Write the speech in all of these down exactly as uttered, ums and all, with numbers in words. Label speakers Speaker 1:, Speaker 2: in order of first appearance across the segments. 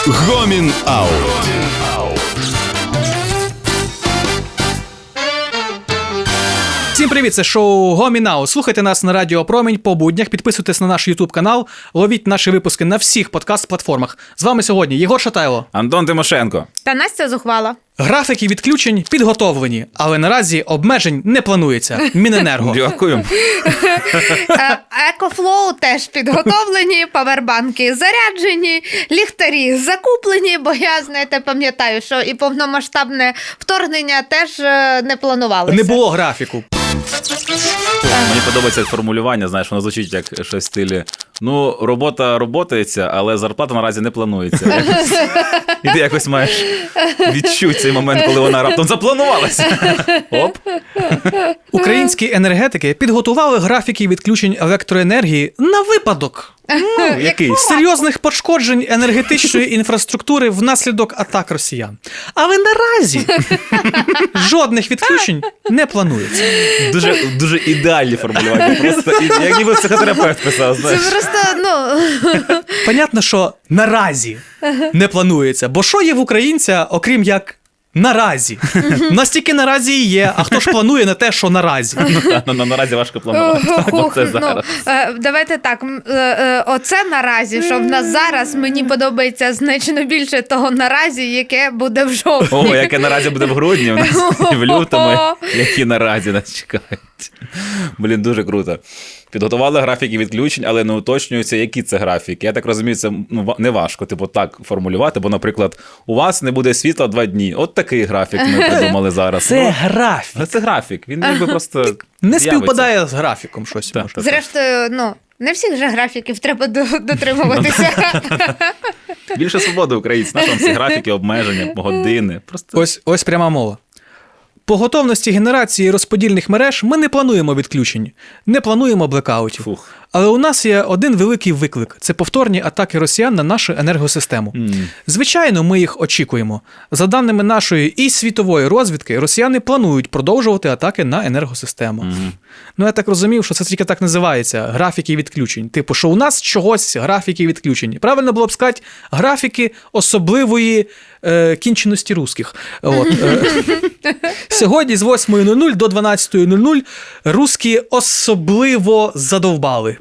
Speaker 1: Гомін Аут.
Speaker 2: Всім привіт, це шоу Гомін Аут. Слухайте нас на Радіо Промінь по буднях, підписуйтесь на наш YouTube канал, ловіть наші випуски на всіх подкаст-платформах. З вами сьогодні Єгор Шатайло,
Speaker 3: Антон Тимошенко
Speaker 4: та Настя Зухвала.
Speaker 2: Графіки відключень підготовлені, але наразі обмежень не планується. Міненерго.
Speaker 3: Дякую.
Speaker 4: Екофлоу теж підготовлені, павербанки заряджені, ліхтарі закуплені, бо я, знаєте, пам'ятаю, що і повномасштабне вторгнення теж не планувалося.
Speaker 2: Не було графіку.
Speaker 3: Мені подобається формулювання, знаєш, воно звучить як щось в стилі. Ну, робота роботається, але зарплата наразі не планується. І ти якось маєш відчути цей момент, коли вона раптом запланувалася. Оп.
Speaker 2: Українські енергетики підготували графіки відключень електроенергії на випадок
Speaker 3: Ну, якийсь.
Speaker 2: серйозних пошкоджень енергетичної інфраструктури внаслідок атак росіян. Але наразі жодних відключень не планується.
Speaker 3: Дуже, дуже ідеальні формулювання. Просто як ніби психотерапевт писав, знаєш.
Speaker 4: Це просто, ну...
Speaker 2: Понятно, що наразі не планується. Бо що є в українця, окрім як наразі? У нас тільки наразі і є, а хто ж планує на те, що наразі?
Speaker 3: Наразі важко планувати. Оце зараз.
Speaker 4: Ну, е, давайте так, м, е, е, оце наразі, що в нас зараз, мені подобається значно більше того наразі, яке буде в жовтні.
Speaker 3: О, яке наразі буде в грудні, в нас і в лютому, які наразі нас чекають. Блін, дуже круто. Підготували графіки відключень, але не уточнюється, які це графіки. Я так розумію, це ну, не важко типу, так формулювати, бо, наприклад, у вас не буде світла два дні. От такий графік ми придумали зараз.
Speaker 2: Це
Speaker 3: ну,
Speaker 2: графік.
Speaker 3: Це графік, він якби просто
Speaker 2: Не
Speaker 3: з'явиться.
Speaker 2: співпадає з графіком щось.
Speaker 3: Так,
Speaker 2: може.
Speaker 3: так.
Speaker 4: Зрештою, ну, не всіх же графіків треба до- дотримуватися.
Speaker 3: Більше свободи українців. Наші вам ці графіки, обмеження, години. Просто...
Speaker 2: Ось, ось пряма мова. По готовності генерації розподільних мереж ми не плануємо відключень, не плануємо блекаутів.
Speaker 3: Фух.
Speaker 2: Але у нас є один великий виклик – це повторні атаки росіян на нашу енергосистему.
Speaker 3: Mm.
Speaker 2: Звичайно, ми їх очікуємо. За даними нашої і світової розвідки, росіяни планують продовжувати атаки на енергосистему.
Speaker 3: Mm.
Speaker 2: Ну, я так розумів, що це тільки так називається – графіки відключень. Типу, що у нас чогось графіки відключень. Правильно було б сказати, графіки особливої е, кінченості русських. От, е. Сьогодні з восьмої нуль нуль до дванадцятої нуль нуль русські особливо задовбали.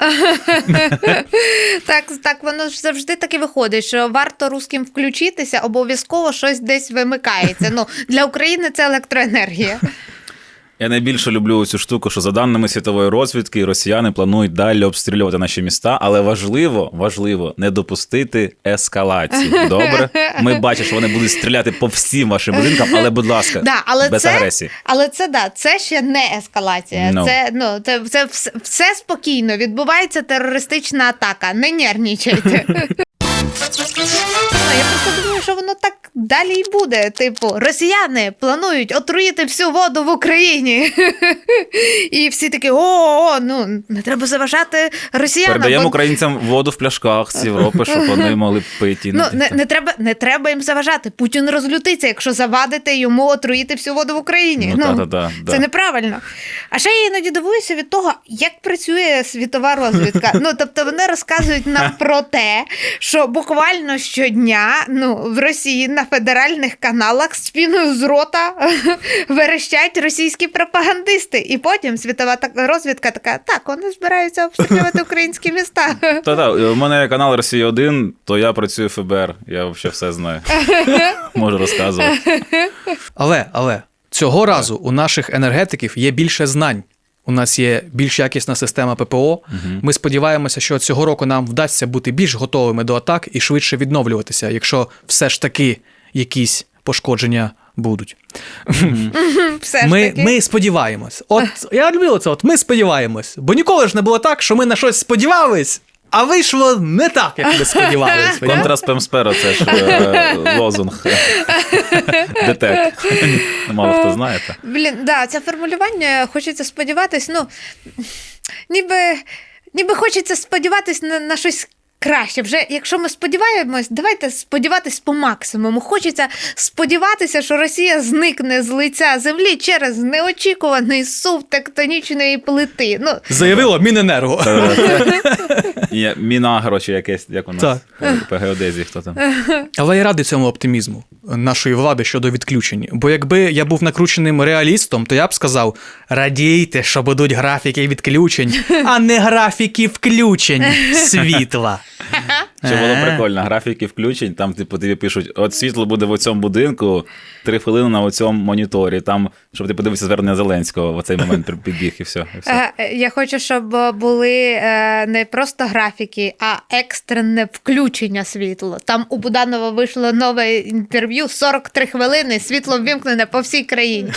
Speaker 4: Так, так, воно ж завжди так і виходить, що варто русським включитися, обов'язково щось десь вимикається. Ну, для України це електроенергія.
Speaker 3: Я найбільше люблю цю штуку, що за даними світової розвідки, росіяни планують далі обстрілювати наші міста, але важливо, важливо не допустити ескалації. Добре? Ми бачимо, що вони будуть стріляти по всім вашим будинкам, але, будь ласка,
Speaker 4: Да, але
Speaker 3: без
Speaker 4: це,
Speaker 3: агресії.
Speaker 4: Але це, да, це ще не ескалація.
Speaker 3: No.
Speaker 4: Це, ну, це, це все, все спокійно. Відбувається терористична атака. Не нервничайте. Я просто думаю, що воно так далі й буде. Типу, росіяни планують отруїти всю воду в Україні. І всі такі, о, ну, не треба заважати росіянам.
Speaker 3: Передаємо
Speaker 4: бо...
Speaker 3: українцям воду в пляшках з Європи, щоб вони могли пити.
Speaker 4: Ну, не, не, треба, не треба їм заважати. Путін розлютиться, якщо завадите йому отруїти всю воду в Україні.
Speaker 3: Ну,
Speaker 4: Ну,
Speaker 3: та-та-та, да.
Speaker 4: це неправильно. А ще я іноді дивуюся від того, як працює світова розвідка. Ну, тобто вони розказують нам про те, що буквально щодня ну, в Росії на федеральних каналах з піною з рота верещать російські пропагандисти. І потім світова розвідка така, так, вони збираються обстрілювати українські міста.
Speaker 3: Та-та, у мене канал Росія один, то я працюю в еф бе ер, я взагалі все знаю. Можу розказувати.
Speaker 2: Але, але, цього разу у наших енергетиків є більше знань. У нас є більш якісна система пе пе о. Угу. Ми сподіваємося, що цього року нам вдасться бути більш готовими до атак і швидше відновлюватися, якщо все ж таки якісь пошкодження будуть.
Speaker 4: Все ж
Speaker 2: Ми,
Speaker 4: таки.
Speaker 2: ми сподіваємось. От, я люблю це, от ми сподіваємось. Бо ніколи ж не було так, що ми на щось сподівались, а вийшло не так, як ми сподівалися.
Speaker 3: Контраспемспера, це ж е, лозунг. ДТЕК. Мало хто знає. Та.
Speaker 4: Блін, да, це формулювання, хочеться сподіватись, ну, ніби, ніби хочеться сподіватись на, на щось краще. Вже, якщо ми сподіваємось, давайте сподіватись по максимуму. Хочеться сподіватися, що Росія зникне з лиця землі через неочікуваний сув тектонічної плити. Ну,
Speaker 2: Заявило Міненерго.
Speaker 3: І Мінагро, чи якесь, як у нас
Speaker 2: Так.
Speaker 3: по геодезії, хто там.
Speaker 2: Але я радий цьому оптимізму нашої влади щодо відключень. Бо якби я був накрученим реалістом, то я б сказав: радійте, що будуть графіки відключень, а не графіки включень світла.
Speaker 3: Що було
Speaker 2: Е.
Speaker 3: прикольно, графіки включень, там типу тобі пишуть, от світло буде в цьому будинку, три хвилини на цьому моніторі, там, щоб ти подивився звернення Зеленського, в цей момент підбіг і все. І все.
Speaker 4: Е, Я хочу, щоб були е, не просто графіки, а екстрене включення світла. Там у Буданова вийшло нове інтерв'ю, сорок три хвилини, світло ввімкнене по всій країні.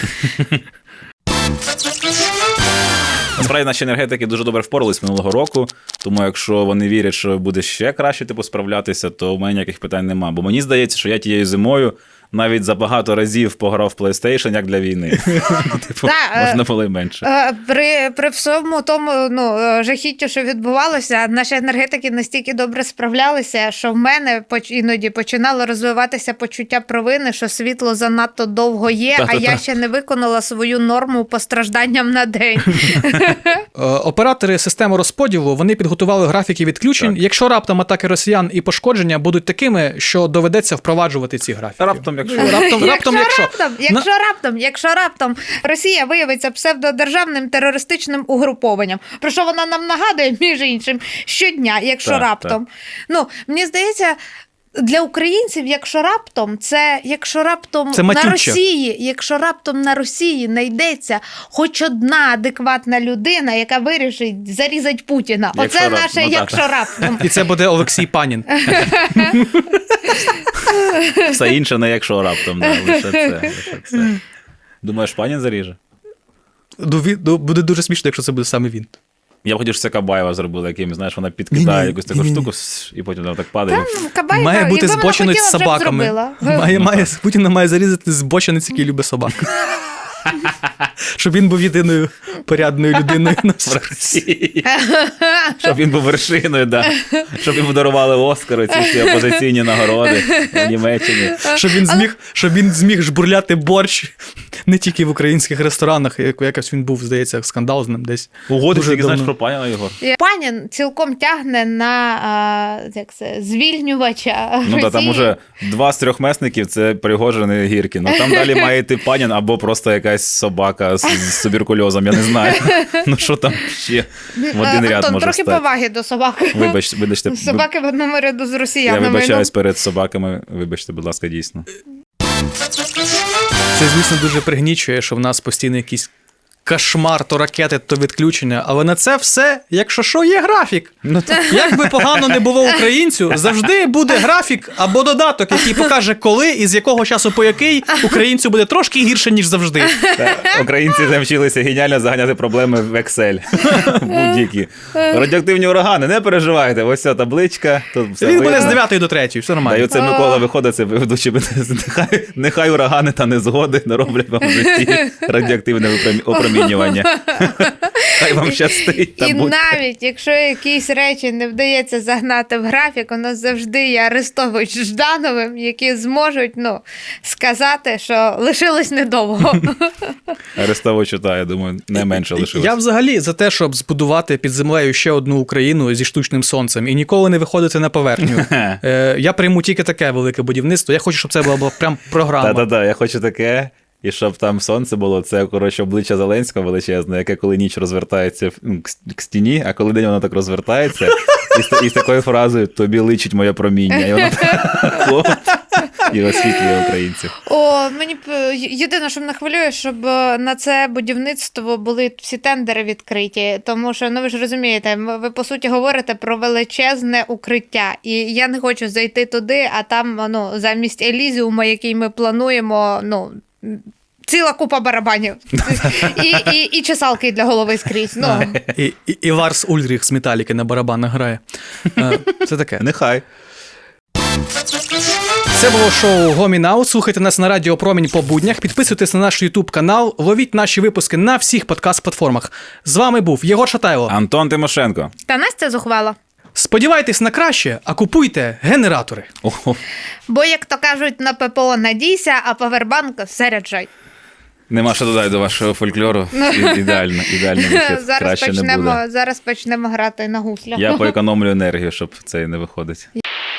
Speaker 3: Насправді наші енергетики дуже добре впорались минулого року, тому якщо вони вірять, що буде ще краще типу, справлятися, то у мене ніяких питань нема. Бо мені здається, що я тією зимою навіть за багато разів пограв в PlayStation, як для війни. Типу,
Speaker 4: Та,
Speaker 3: можна було й менше.
Speaker 4: Е, При, при всьому тому ну, е, жахіттю, що відбувалося, наші енергетики настільки добре справлялися, що в мене поч- іноді починало розвиватися почуття провини, що світло занадто довго є, а
Speaker 3: Та-та-та.
Speaker 4: я ще не виконала свою норму по стражданням на день.
Speaker 2: Е, Оператори системи розподілу, вони підготували графіки відключень.
Speaker 3: Так.
Speaker 2: Якщо раптом атаки росіян і пошкодження будуть такими, що доведеться впроваджувати ці графіки.
Speaker 3: Раптом, якщо...
Speaker 2: Раптом, раптом, якщо.
Speaker 4: раптом, якщо раптом, якщо раптом Росія виявиться псевдодержавним терористичним угрупованням, про що вона нам нагадує, між іншим, щодня, якщо
Speaker 3: Так,
Speaker 4: раптом. Ну, мені здається, для українців, якщо раптом, це якщо раптом
Speaker 2: Це
Speaker 4: на
Speaker 2: матюча.
Speaker 4: Росії, якщо раптом на Росії знайдеться хоч одна адекватна людина, яка вирішить зарізати Путіна.
Speaker 3: Якщо
Speaker 4: Оце
Speaker 3: раптом,
Speaker 4: наше,
Speaker 3: ну, так.
Speaker 4: якщо раптом.
Speaker 2: І це буде Олексій Панін.
Speaker 3: Все інше не якщо раптом, да, лише це, лише це. Думаєш, Панін заріже?
Speaker 2: Ну, він- ну, Буде дуже смішно, якщо це буде саме він.
Speaker 3: Я б хотів, щоб це Кабаєва зробила, яким, знаєш, вона підкидає
Speaker 2: Ні-ні,
Speaker 3: якусь таку
Speaker 2: ні-ні.
Speaker 3: штуку, сс, і потім вона так падає.
Speaker 4: Ну, Кабаєва,
Speaker 2: Має бути
Speaker 4: якби вона
Speaker 2: збочинець з
Speaker 4: хотіла, вже б
Speaker 2: собаками.
Speaker 4: зробила.
Speaker 2: Має, має, Путіна має зарізати збочинець, який любить собак. Щоб він був єдиною порядною людиною на
Speaker 3: В Росії. Щоб він був вершиною, да. Щоб йому дарували Оскари, ці всі опозиційні нагороди в Німеччині.
Speaker 2: Щоб він зміг, щоб він зміг жбурляти борщ не тільки в українських ресторанах, як якось він був, здається, скандал з ним десь.
Speaker 3: Угоди,
Speaker 2: Дуже
Speaker 3: тільки знаєш
Speaker 2: давно.
Speaker 3: про Паніна, Єгор?
Speaker 4: Панін цілком тягне на а, як це, звільнювача
Speaker 3: Ну так, там
Speaker 4: Росії.
Speaker 3: уже два з трьох месників – це Пригожин і Гіркін. Ну там далі має йти Панін або просто якась собака з, з туберкульозом, я не знаю. Ну що там ще в один
Speaker 4: Е,
Speaker 3: ряд
Speaker 4: Антон,
Speaker 3: може
Speaker 4: трохи
Speaker 3: стати.
Speaker 4: поваги до собак.
Speaker 3: Вибач, вибачте,
Speaker 4: Собаки в одному ряду з
Speaker 3: я
Speaker 4: росіянами.
Speaker 3: вибачаюсь перед собаками, вибачте, будь ласка, дійсно.
Speaker 2: Це, звісно, дуже пригнічує, що в нас постійно якийсь кошмар, то ракети, то відключення. Але на це все, якщо що, є графік.
Speaker 3: Ну, так.
Speaker 2: Як би погано не було українцю, завжди буде графік або додаток, який покаже, коли і з якого часу по який українцю буде трошки гірше, ніж завжди.
Speaker 3: Та, Українці навчилися геніально заганяти проблеми в Excel. Будь-які. Радіоактивні урагани, не переживайте. Ось ця табличка. Тут все
Speaker 2: Він буде
Speaker 3: видно.
Speaker 2: з дев'ятої до третьої, все
Speaker 3: Та й
Speaker 2: нормально.
Speaker 3: оце Микола виходить, це ведучий, нехай, нехай урагани та незгоди не роблять вам в житті радіоактивне опромі- опромінювання. Хай вам щастить. Та
Speaker 4: І
Speaker 3: будьте.
Speaker 4: навіть якщо якісь речі не вдається загнати в графік, у нас завжди є Арестович з Ждановим, які зможуть ну, сказати, що лишилось недовго.
Speaker 3: Арестовичу, та, я думаю, не менше лишилось.
Speaker 2: Я взагалі за те, щоб збудувати під землею ще одну Україну зі штучним сонцем і ніколи не виходити на поверхню. Е, Я прийму тільки таке велике будівництво. Я хочу, щоб це була, була прям програма.
Speaker 3: Та-та-та, я хочу таке. І щоб там сонце було, це, коротше, обличчя Зеленського величезне, яке коли ніч розвертається ну, к к стіні, а коли день воно так розвертається, і з, і з такою фразою «тобі личить моє проміння». І воно хоп, і освітлює українців.
Speaker 4: О, мені б єдине, що мене хвилює, щоб на це будівництво були всі тендери відкриті, тому що, ну ви ж розумієте, ви по суті говорите про величезне укриття, і я не хочу зайти туди, а там, ну, замість Елізіума, який ми плануємо, ну, ціла купа барабанів. І, і, і чесалки для голови скрізь. Ну.
Speaker 2: І, і, і Ларс Ульріх з Металіки на барабанах грає. Е, Це таке.
Speaker 3: Нехай.
Speaker 2: Це було шоу Гомін Аут. Слухайте нас на Радіо Промінь по буднях. Підписуйтесь на наш YouTube канал. Ловіть наші випуски на всіх подкаст-платформах. З вами був Єгор Шатайло.
Speaker 3: Антон Тимошенко.
Speaker 4: Та Настя зухвала.
Speaker 2: Сподівайтесь на краще, а купуйте генератори.
Speaker 3: Ого.
Speaker 4: Бо, як то кажуть, на ППО надійся, а павербанк заряджай.
Speaker 3: Нема що додати до вашого фольклору. І- Ідеально, ідеальний вихід.
Speaker 4: Зараз
Speaker 3: Краще не буде.
Speaker 4: почнемо, зараз почнемо грати на гуслях.
Speaker 3: Я поекономлю енергію, щоб це не виходить.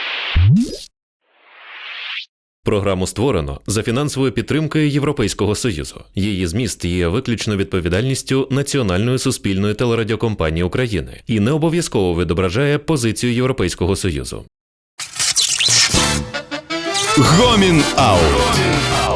Speaker 1: Програму створено за фінансовою підтримкою Європейського Союзу. Її зміст є виключно відповідальністю Національної суспільної телерадіокомпанії України і не обов'язково відображає позицію Європейського Союзу.
Speaker 2: Гомін Аут.